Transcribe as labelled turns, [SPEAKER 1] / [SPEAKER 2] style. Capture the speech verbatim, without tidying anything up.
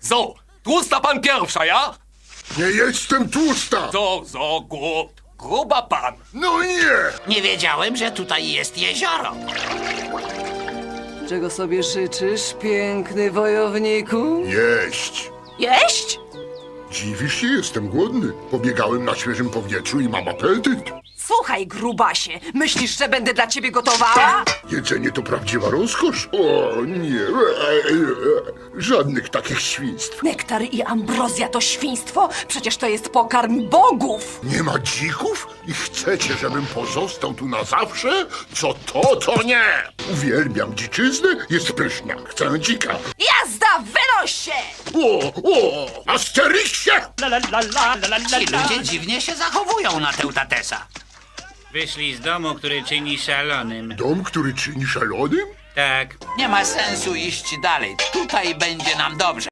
[SPEAKER 1] So, tłusta pan pierwsza, ja?
[SPEAKER 2] Nie jestem tłusta!
[SPEAKER 1] So, so, gut. Gruba pan.
[SPEAKER 2] No nie!
[SPEAKER 3] Nie wiedziałem, że tutaj jest jezioro.
[SPEAKER 4] Czego sobie życzysz, piękny wojowniku?
[SPEAKER 2] Jeść!
[SPEAKER 5] Jeść?
[SPEAKER 2] Dziwisz się, jestem głodny. Pobiegałem na świeżym powietrzu i mam apetyt.
[SPEAKER 5] Słuchaj, grubasie, myślisz, że będę dla ciebie gotowała?
[SPEAKER 2] Jedzenie to prawdziwa rozkosz. O nie, żadnych takich świństw.
[SPEAKER 5] Nektar i ambrozja to świństwo? Przecież to jest pokarm bogów!
[SPEAKER 2] Nie ma dzików? I chcecie, żebym pozostał tu na zawsze? Co to, to nie! Uwielbiam dziczyznę, jest pyszna. Chcę dzika.
[SPEAKER 5] Jazda, wynoś się!
[SPEAKER 2] O, o, Asterixie!
[SPEAKER 3] Ci ludzie dziwnie się zachowują na Teutatesa.
[SPEAKER 6] Wyszli z domu, który czyni szalonym.
[SPEAKER 2] Dom, który czyni szalonym?
[SPEAKER 6] Tak.
[SPEAKER 3] Nie ma sensu iść dalej. Tutaj będzie nam dobrze.